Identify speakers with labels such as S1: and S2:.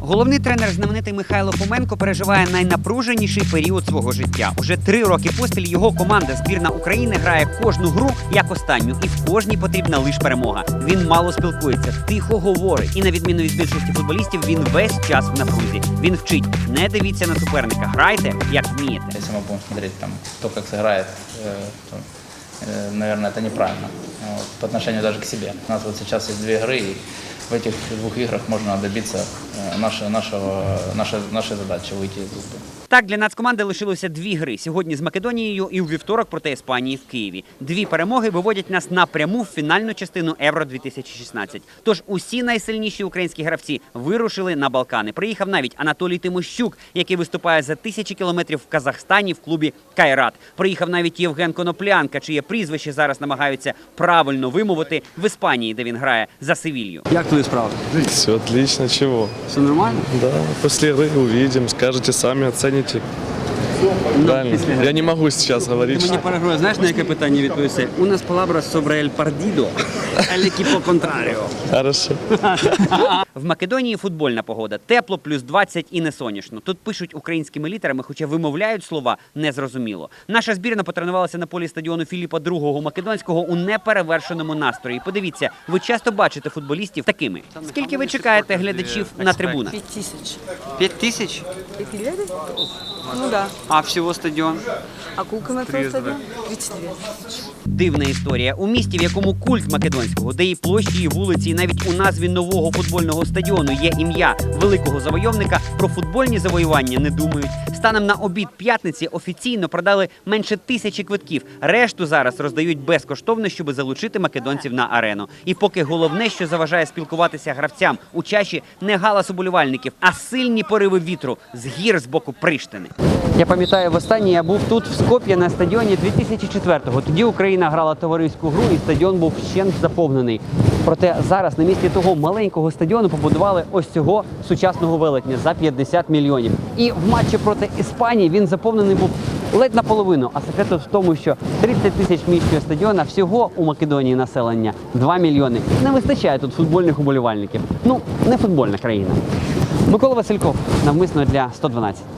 S1: Головний тренер знаменитий Михайло Фоменко переживає найнапруженіший період свого життя. Уже 3 роки поспіль його команда збірна України грає кожну гру як останню, і в кожній потрібна лише перемога. Він мало спілкується, тихо говорить. І на відміну від більшості футболістів, він весь час в напрузі. Він вчить: не дивіться на суперника, грайте як вмієте.
S2: Если мы будем смотреть там, кто как сыграет, то, наверное, это неправильно по отношению даже к себе. У нас вот сейчас есть 2 игры, и в этих 2 играх можно добиться нашей задачи – выйти из группы.
S1: Так, для нацкоманди лишилося 2 гри. Сьогодні з Македонією і у вівторок проти Іспанії в Києві. 2 перемоги виводять нас напряму в фінальну частину Євро-2016. Тож усі найсильніші українські гравці вирушили на Балкани. Приїхав навіть Анатолій Тимощук, який виступає за 1000 кілометрів в Казахстані в клубі «Кайрат». Приїхав навіть Євген Коноплянка, чиє прізвище зараз намагаються правильно вимовити в Іспанії, де він грає за Севілью.
S3: Як твої справи?
S4: Все отлично, чего?
S3: Все нормально?
S4: Да, после игры увидим, скажете сами, оцените. Правильно. Я не могу сейчас говорить.
S3: Ти мені перегрує, знаєш, на яке питання відповісти? У нас palabra sobre el partido, el equipo contrario.
S4: Хорошо.
S1: В Македонії футбольна погода. Тепло, плюс 20 і не сонячно. Тут пишуть українськими літерами, хоча вимовляють слова незрозуміло. Наша збірна потренувалася на полі стадіону Філіпа II Македонського у неперевершеному настрої. Подивіться, ви часто бачите футболістів такими. Скільки ви чекаєте глядачів на трибунах?
S5: 5000.
S1: 5000?
S5: 5 лет? Ну да.
S1: А всього стадіон?
S5: А сколько на твой стадион? 32.
S1: Дивна історія. У місті, в якому культ Македонського, де і площі, і вулиці, і навіть у назві нового футбольного стадіону є ім'я великого завойовника, про футбольні завоювання не думають. Станом на обід п'ятниці офіційно продали менше 1000 квитків. Решту зараз роздають безкоштовно, щоб залучити македонців на арену. І поки головне, що заважає спілкуватися гравцям у чаші, не галас уболівальників, а сильні пориви вітру з гір з боку Приштини. Я пам'ятаю, востаннє я був тут, в Скоп'ї, на стадіоні 2004-го. Тоді Україна грала товариську гру і стадіон був вщент заповнений. Проте зараз на місці того маленького стадіону побудували ось цього сучасного велетня за 50 мільйонів. І в матчі проти Іспанії він заповнений був ледь наполовину. А секрет в тому, що 30 тисяч міського стадіона, всього у Македонії населення 2 мільйони. Не вистачає тут футбольних уболівальників. Ну, не футбольна країна. Микола Васильков, навмисно для 112.